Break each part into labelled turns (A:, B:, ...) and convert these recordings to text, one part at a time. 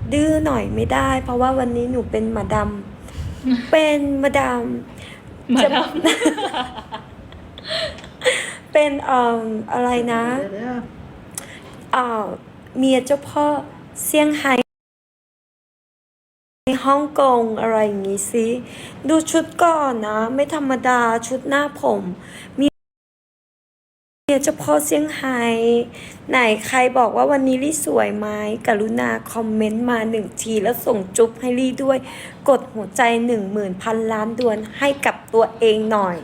A: ดื้อหน่อยไม่ได้ เพราะว่าวันนี้หนูเป็นมาดามเป็นมาดาม
B: มาดาม
A: เป็นอะไรนะ
C: เดี๋ยว
A: เมียเจ้าพ่อเซี่ยงไฮ้ฮ่องกงอะไรอย่างงี้สิดูชุดก่อนนะ ไม่ธรรมดาชุดหน้าผมเมียเจ้าพ่อเซี่ยงไฮ้ไหนใครบอกว่าวันนี้ลี่สวยไหมกรุณาคอมเมนต์มา1 ทีแล้วส่งจุ๊บให้ลี่ด้วย กดหัวใจ 10,000 ล้านดวงให้กับตัวเองหน่อย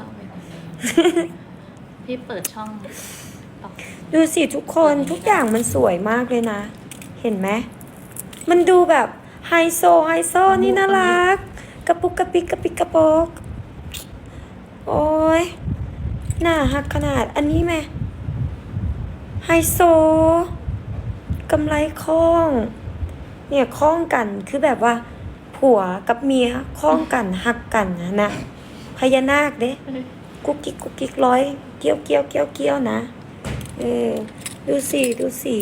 B: พี่เปิดช่องต่อ
A: ดูสิทุกคนทุกอย่างมันสวยมากเลยนะ เห็นไหมมันดูแบบไฮโซนี่น่ารักกระปุกกระปิกกระปิกกระปกโอ้ยน่าฮักขนาดอันนี้ไหมไฮโซกำไรข้องเนี่ยข้องกันคือแบบว่า ผัวกับเมียข้องกันฮักกันนะพญานาคเด้กุ๊กกิ๊กร้อยเกี้ยวนะดูสิ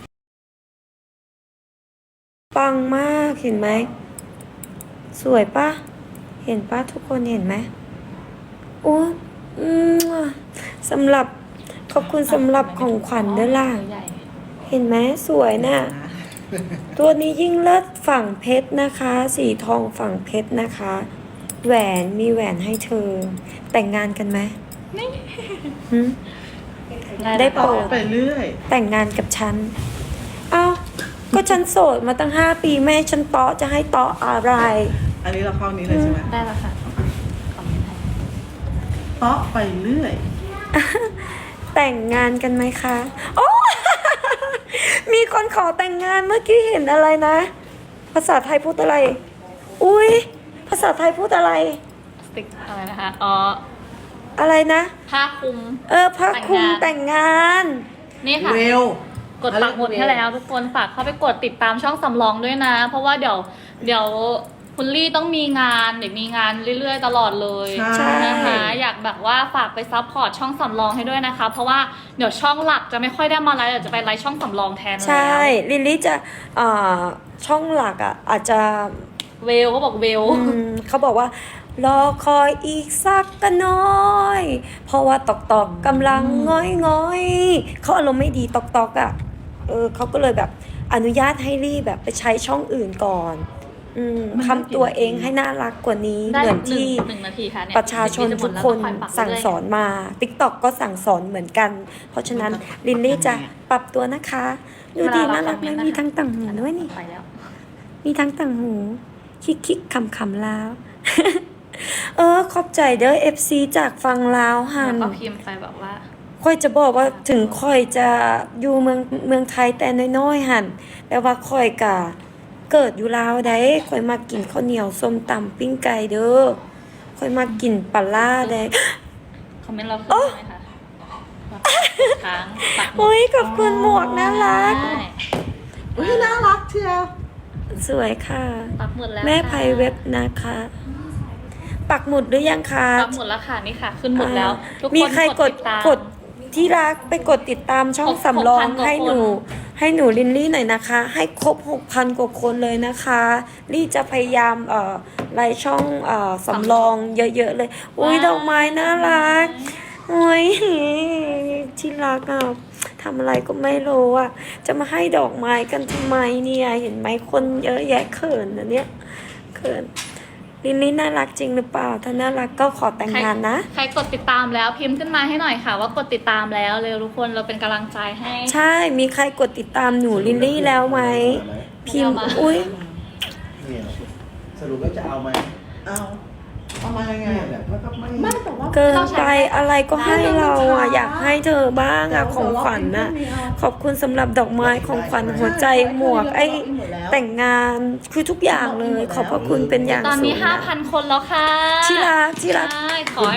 A: ปังมากเห็นไหมสวยปะเห็นปะทุกคนเห็นไหมโอ้สำหรับขอบคุณสำหรับของขวัญด้วยล่ะ
B: ใหญ่
A: เห็นไหมสวยน่ะ ตัวนี้ยิ่งเลิศฝั่งเพชรนะคะ สีทองฝั่งเพชรนะคะ แหวนมีแหวนให้เธอ แต่งงานกันไหมหืม ได้โปรด
C: ไปเรื่อย
A: แต่งงานกับฉัน เอ้า ก็ฉันโสดมาตั้ง5 ปีแม่ฉันเตาะจะให้เตาะอะไร
C: อันนี้เราเข้านี้เลยใช่ไหม
B: ได้แล้วค่ะคอมเมนต์ให้
C: เตาะไปเรื่อย
A: แต่งงานกันไหมคะ โอ้ มีคนขอแต่งงานเมื่อกี้เห็นอะไรนะ ภาษาไทยพูดอะไร อุ้ยภาษาไทยพูดอะไร
B: สติ๊กอะไรนะคะอ๋อ
A: อะไรนะ
B: ผ้าคลุม
A: พระคุมแต่งงาน
B: นี่ค่ะ
C: เวล
B: กดปักหมุดให้แล้วทุกคนฝากเข้าไปกดติดตามช่องสำรองด้วยนะ เพราะว่าเดี๋ยวคุณลี่ต้องมีงานเดี๋ยวมีงานเรื่อยๆตลอดเลย
C: ใช่
B: นะคะอยากแบบว่าฝากไปซัพพอร์ตช่องสำรองให้ด้วยนะคะ เพราะว่าเดี๋ยวช่องหลักจะไม่ค่อยได้มาไลฟ์เดี๋ยวจะไปไลฟ์ช่องสำรองแทนแล้ว
A: ใช่ ลิลลี่จะช่องหลักอาจจะ
B: เวลเขาบอกเวล
A: เขาบอกว่ารอคอยอีกสักกันน้อย เพราะว่าตอกกำลังง้อยเขาอารมณ์ไม่ดีตอกเขาก็เลยแบบอนุญาตให้รีบแบบไปใช้ช่องอื่นก่อนทำตัวเองให้น่ารักกว่านี้
B: ได้
A: เหมือนที่
B: หนึ่งนาทีค่ะเนี่ย
A: ประชาชนทุกคน
B: เดี๋ยวจะหมดแล้ว
A: สั่งสอนมา TikTok ก็สั่งสอนเหมือนกัน เพราะฉะนั้นลินลี่จะปรับตัวนะคะดูดีน่ารักไหมมีทั้งต่างหูด้วยนี่
B: ไปแล้ว
A: มีทั้งต่างหูคิกคำแล้ว ขอบใจเด้อ FC จากฟังลาวหั
B: แล้ว
A: น
B: ก็พิมพ์ไปแบบว่า
A: ค่อยจะบอกว่าถึงค่อยจะอยู่เมืองไทยแต่น้อยๆหันแต่ว่าค่อยกะเกิดอยู่ลาวได้ค่อยมากินข้าวเหนียวส้มตำปิ้งไก่เด้อค่อยมากินปลาล่าได้
B: คอมเมนต์เราขึ้นไหมคะค้างปักหมุด
A: โอ้ยขอบคุณหมวกน่ารัก
B: ใช่
C: อุ้ยน่ารักเชียว
A: สวยค่ะ
B: ปักหมุดแล้ว
A: แม่
B: ค่ะ
A: ไพเว็บนะคะ ปักหมุดหรือยังคะ
B: ปักหมุดแล้วค่ะนี่ค่ะ ขึ้นหมุดแล้ว ทุกคน
A: มีใครกด
B: ติตาม
A: กดที่รักไปกดติดตามช่องสำรอง
B: 6,000
A: ให้หนู
B: กว่าคน
A: ให้หนูลินลี่หน่อยนะคะ ให้ครบ 6,000 กว่าคนเลยนะคะลี่จะพยายามไล่ช่องสำรองเยอะๆเลยอุ้ยดอกไม้น่ารักโอ้ยที่รักทำอะไรก็ไม่รู้จะมาให้ดอกไม้กันทำไมเนี่ยเห็นไหมคนเยอะแยะเขินนะเนี่ยเขินลินลี่น่ารักจริงหรือเปล่าถ้าน่ารักก็ขอแต่งงานนะ
B: ใครกดติดตามแล้วพิมพ์ขึ้นมาให้หน่อยค่ะ ว่ากดติดตามแล้วเร็วทุกคนเราเป็นกำลังใจให้
A: ใช่ มีใครกดติดตามหนูลิลลี่แล้วไหม พิมพ์
B: ไม่เอามา
A: อุ้ย
D: เนี่ยสรุปแล้วจะเอาไหม
C: เอามายังไง
D: เนี่ยแหละแล้วก็ไม่
C: ไม่แต่ว่า
A: เกินไปอะไรก็ให้เราอยากให้เธอบ้างของขวัญขอบคุณสำหรับดอกไม้ของขวัญหัวใจหมวกแต่งงานคือทุกอย่างเลย ขอบพระคุณเป็นอย่าง
B: ตอน
A: สู
B: นี้
A: งนะ
B: 5,000 คนแล้วค่ะ
A: ที่รัก
B: ใช่ขอให้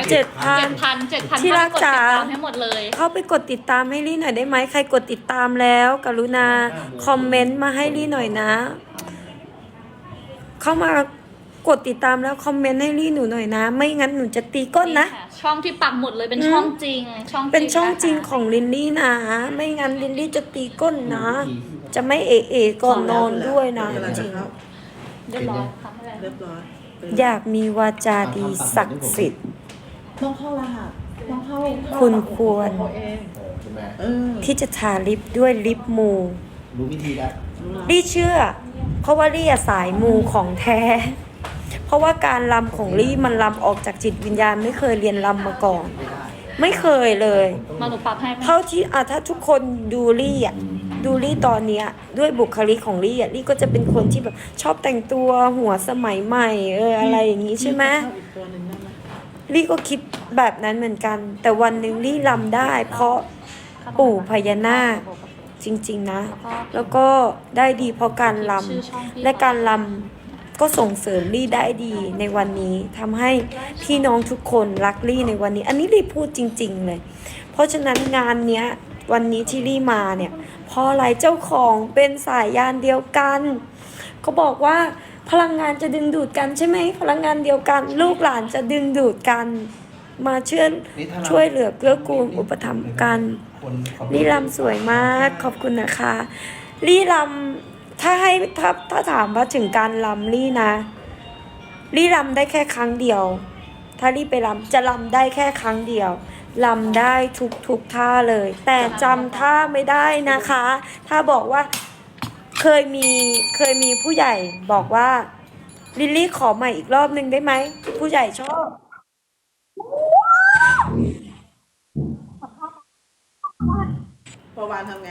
A: 7,000 ที่รัก
B: กดติด
A: จ๋า
B: ตามให้หมดเลย
A: เข้าไปกดติดตามให้ลี่หน่อยได้ไหมใครกดติดตามแล้ว กรุณาคอมเมนต์มาให้ลี่หน่อยนะ เข้ามากดติดตามแล้วคอมเมนต์ให้ลี่หนูหน่อยนะ ไม่งั้นหนูจะตีก้นนะ
B: ค่ช่องที่ปักหมุดเลยเป็นช่องจริง ช่องจริง
A: เป็นช่องจริง
B: นะคะ
A: ของลินลี่นะ ไม่งั้นลินลี่จะตีก้นนะ จะไม่เอะก่อนนอนด้วยนะ
C: เวลา
A: จ
C: จะ
A: ริง
C: เข้า
B: เรียบร้อยทำอะไร
C: เรียบร้อย
A: อยากมีวาจาดีศักดิ์สิทธิ์
C: ต้องเข้ารหัสต้องเข้า
A: คุณควร
C: เขาเอง
D: ใช่ไหม
C: เออ
A: ที่จะทาลิปด้วยลิปมู
D: รู้วิธีแล้ว
A: ลี่เชื่อ เพราะว่าลี่อะสายมูของแท้ เพราะว่าการลำของลี่มันลำออกจากจิตวิญญาณไม่เคยเรียนลำมาก่อน ไม่เคยเลย
B: มาหนูปรับให้ไหม
A: เท่าที่ถ้าทุกคนดูลี่อ่ะดูลี่ตอนเนี้ยด้วยบุคลิกของลี่อ่ะลี่ก็จะเป็นคนที่แบบชอบแต่งตัวหัวสมัยใหม่อะไรอย่างนี้ใช่ไหม
C: เข้าอีกตัวหนึ่งได้ไหม
A: ลี่ก็คิดแบบนั้นเหมือนกัน แต่วันหนึ่งลี่ลำได้ เพราะปู่พญานาคจริงๆนะ แล้วก็ได้ดีเพราะการลำและการลำก็ส่งเสริมลี่ได้ดีในวันนี้ทำให้พี่น้องทุกคนรักลี่ในวันนี้ อันนี้ลี่พูดจริง ๆ เลย เพราะฉะนั้นงานเนี้ยวันนี้ที่ลี่มาเนี่ยเพราะอะไรเจ้าของเป็นสายยานเดียวกันเขาบอกว่าพลังงานจะดึงดูดกันใช่ไหมพลังงานเดียวกัน ลูกหลานจะดึงดูดกัน มาช่วยเหลือเกื้อกูลอุปถัมภ์กัน ลี่ลำสวยมากขอบคุณนะคะลี่ลำถ้าถามว่าถึงการลำลี่นะลี่ลำได้แค่ครั้งเดียว ถ้าลี่ไปลำจะลำได้แค่ครั้งเดียวลำได้ทุกท่าเลย แต่จำท่าไม่ได้นะคะ ถ้าบอกว่าเคยมีผู้ใหญ่บอกว่าลิลลี่ขอใหม่อีกรอบนึงได้ไหมผู้ใหญ่ชอบ
C: ประวานทำไง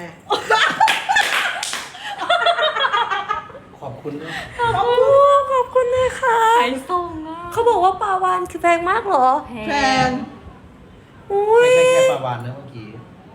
D: ขอบคุณด้วย
A: โอ้ขอบคุณนะคะ
B: ใครส่งอ่ะ
A: เขาบอกว่าปลาวานคือแพงมากเหรอ
C: แพง
A: อุ้
D: ไม่
A: ย
D: ใช่แค่ปลาวานนะเมื่อกี้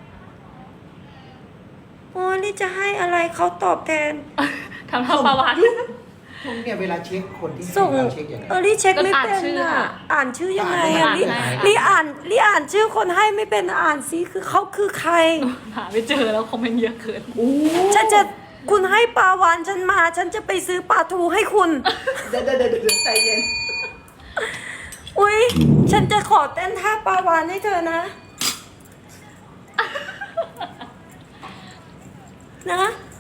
A: โอ้ยนี่จะให้อะไรเขาตอบแทน
B: ทำท่าประวัติ
D: พวกเนี่ยเวลาเช็คคนที่ให้
A: ส่ง
D: เราเช็คยังไง
A: ลี่เช็คไม่
B: ก็อ่าน
A: เป็น
B: ชื่อ
A: อ่ะ
B: อะ
A: อ่านชื่อยังไง
D: อ่า
A: อ่ะ
D: น
A: ลี่
D: ไม่ได้
A: ลี่อ่านชื่อคนให้ไม่เป็นอ่านซิคือเขาคือใคร
B: หาไม่เจอแล้วคอมเมนต์เยอะเกิน
A: ฉันจะคุณให้ปลาวานฉันมา ฉันจะไปซื้อปลาทูให้คุณ
C: เดี๋ยวใจเย็น
A: อุ้ยฉันจะขอเต้นท่าปลาวานให้เธอนะ นะ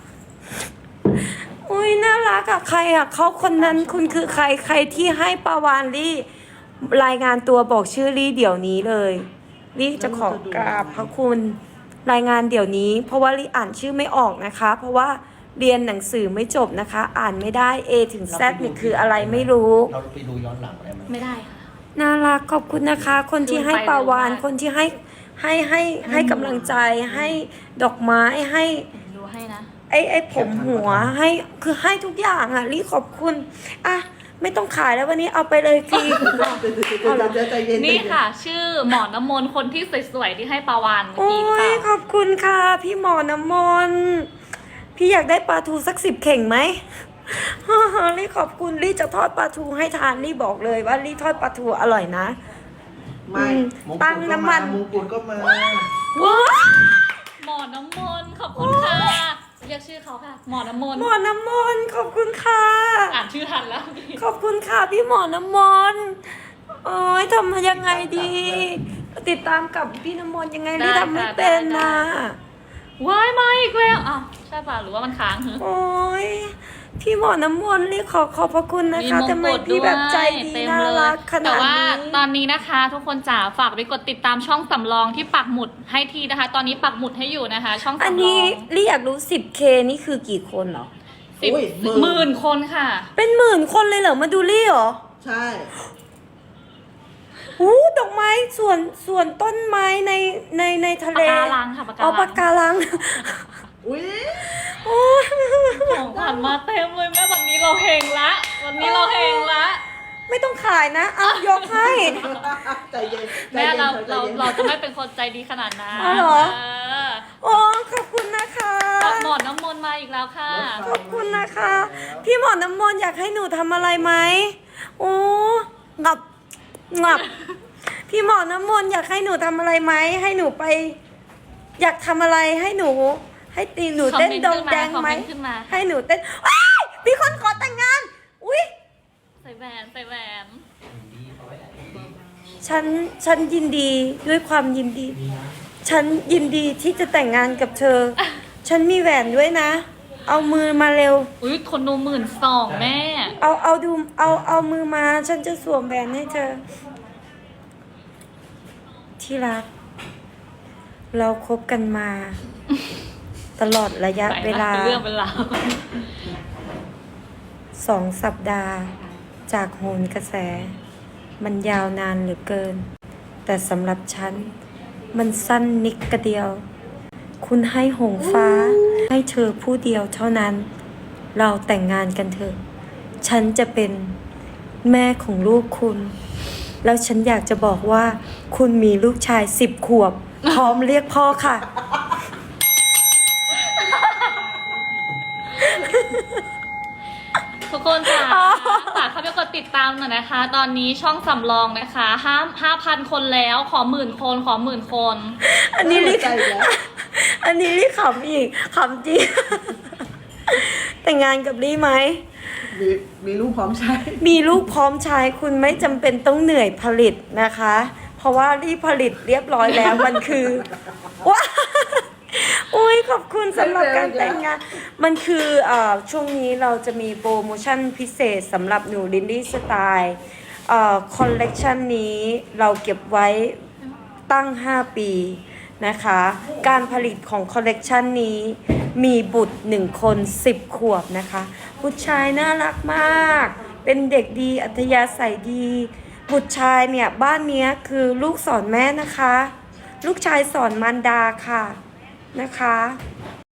A: อุ้ยน่ารักอะใครอะเขาคนนั้นคุณคือใครที่ให้ปลาวานลี่ รายงานตัวบอกชื่อลี่เดี๋ยวนี้เลยลี่จะขอกราบพระคุณรายงานเดี๋ยวนี้ เพราะว่าลี่อ่านชื่อไม่ออกนะคะ เพราะว่าเรียนหนังสือไม่จบนะคะ อ่านไม่ได้ A ถึง Z นี่คืออะไรไม่รู้
D: เราไปดูย้อนหลังได้ไหม
B: ไม่ได้ค่ะ
A: น่ารักขอบคุณนะคะ คนที่ให้ปลาวานคนที่ให้กำลังใจให้ดอกไม้ให้
B: ดูให้นะ
A: ไอ้ผมหัวให้คือให้ทุกอย่างอ่ะลี่ขอบคุณอ่ะไม่ต้องขายแล้ววันนี้เอาไปเลยฟรี
C: เดี๋ยวใจเย็น
B: นี่ค่ะ ชื่อหมอน้ำมนต์คนที่สวยๆที่ให้ปลาวานเมื่อ
A: โอ้
B: กี้หรือเป
A: ย
B: ล่า
A: ขอบคุณค่ะ พี่หมอน้ำมนต์พี่อยากได้ปลาทูสัก10 เข่งไหม ลี่ขอบคุณลี่จะทอดปลาทูให้ทานลี่บอกเลยว่าลี่ทอดปลาทูอร่อยนะ
C: ไม่
D: มงกุฎ
A: ตั้ง
D: ก็
A: น้ำมัน
D: มงกุฎก็มา
A: ว้า
B: หมอน้ำมนต์ขอบคุณค่ะเรียกชื่อเขาค่ะ หมอน้ำมนต์
A: หมอน้ำมนต์ขอบคุณค่ะ
B: อ่านชื่อทันแล้วพี่
A: ขอบคุณค่ะพี่หมอน้ำมนต์โอ้ยทำยังไงดี ติดตามกับพี่น้ำมนต์ยังไงลี่ทำไม่เป็นนะ
B: ว้ายมาอีกแล้วอ้าวใช่ป่ะหรือว่ามันค้างเหรอ
A: โอ้ยพี่หมอน้ำมนต์ลี่ขอบพระคุณนะคะทำไมพี่แบบใจดี
B: เต็ม
A: น่า
B: เลย
A: รักข
B: แต่
A: นาด
B: ว่า
A: นี้
B: ตอนนี้นะคะ ทุกคนจ๋าฝากไปกดติดตามช่องสำรองที่ปักหมุดให้ทีนะคะ ตอนนี้ปักหมุดให้อยู่นะคะ ช่องสำรอง
A: อันนี้ลี่อยากรู้ 10K นี่คือกี่คนเหรอ
B: 10
C: อุ้ย
B: หมื่นคนค่ะ
A: เป็นหมื่นคนเลยเหรอมาดูลี่เหรอ
C: ใช่
A: อู้ดอกไม้ส่วนต้นไม้ในทะเล
B: ปะการังค่ะปะการัง
A: อ๋อปะการัง
C: อุ้ย
A: โอ้ย
B: ของผ่านมาเต็มเลยแม่วันนี้เราเฮงละ วันนี้เราเฮงละ
A: ไม่ต้องขายนะเอายกให้
C: ใจเย็น
B: แม่เรา
C: ใจย็น
B: เราจะไม่เป็นคนใจดีขนาดนั้น
A: อ๋อเหรอ
B: เออ
A: โอ้ขอบคุณนะคะ
B: หมอน้ำมนต์มาอีกแล้วค่ะ
A: ขอบคุณนะคะ พี่หมอน้ำมนต์อยากให้หนูทำอะไรไหมโอ้งับพี่หมอน้ำมนต์อยากให้หนูทำอะไรไหมให้หนูไป อยากทำอะไรให้หนู ให้ตีหนูเต้น
B: คอมเมนต์
A: ดงแดงไหม
B: ขึ้นมา
A: ให้หนูเต้นว้ายมีคนขอแต่งงานอุ้ย
B: ใส่แหวนใส่แหวน
D: ดีเอาไว้ดี
A: ฉันยินดีด้วยความยินดี ฉันยินดีที่จะแต่งงานกับเธอ ฉันมีแหวนด้วยนะ เอามือมาเร็ว
B: อุ้ยคนดู12,000แม่
A: เอามือมา ฉันจะสวมแหวนให้เธอ ที่รัก เราคบกันมา ตลอดระยะ
B: ไป
A: เว
B: ละ
A: ลา
B: เป็นเรื่องเป็นราว
A: 2 สัปดาห์จากโหนกระแส มันยาวนานเหลือเกิน แต่สำหรับฉัน มันสั้นนิดกระเดียว คุณให้หงฟ้า ให้เธอผู้เดียวเท่านั้น เราแต่งงานกันเถอะ ฉันจะเป็นแม่ของลูกคุณ แล้วฉันอยากจะบอกว่า คุณมีลูกชาย10 ขวบ พร้อมเรียกพ่อค่ะ
B: ทุกคนค่ะฝากเข้าไปกดติดตามหน่อยนะคะ ตอนนี้ช่องสำรองนะคะ5,000 คนแล้ว ขอ10,000 คนขอ10,000 คน
A: อันนี้รี
C: ใจแล้ว
A: อันนี้รีขำอีกขำจริง แต่งงานกับลี่ไหม
C: มีลูกพร้อมใช้
A: มีลูกพร้อมใช้คุณไม่จำเป็นต้องเหนื่อยผลิตนะคะ เพราะว่ารีผลิตเรียบร้อยแล้ว มันคือว้าโอ้ยขอบคุณสำหรับการแต่งงาน มันคือช่วงนี้เราจะมีโปรโมชั่นพิเศษสำหรับหนูลินดี้สไตล์คอลเลกชันนี้เราเก็บไว้ตั้ง 5 ปีนะคะ การผลิตของคอลเลกชันนี้มีบุตร1 คน10 ขวบนะคะบุตรชายน่ารักมาก เป็นเด็กดีอัธยาศัยดี บุตรชายเนี่ยบ้านเนี้ยคือลูกสอนแม่นะคะ ลูกชายสอนมารดาค่ะนะคะ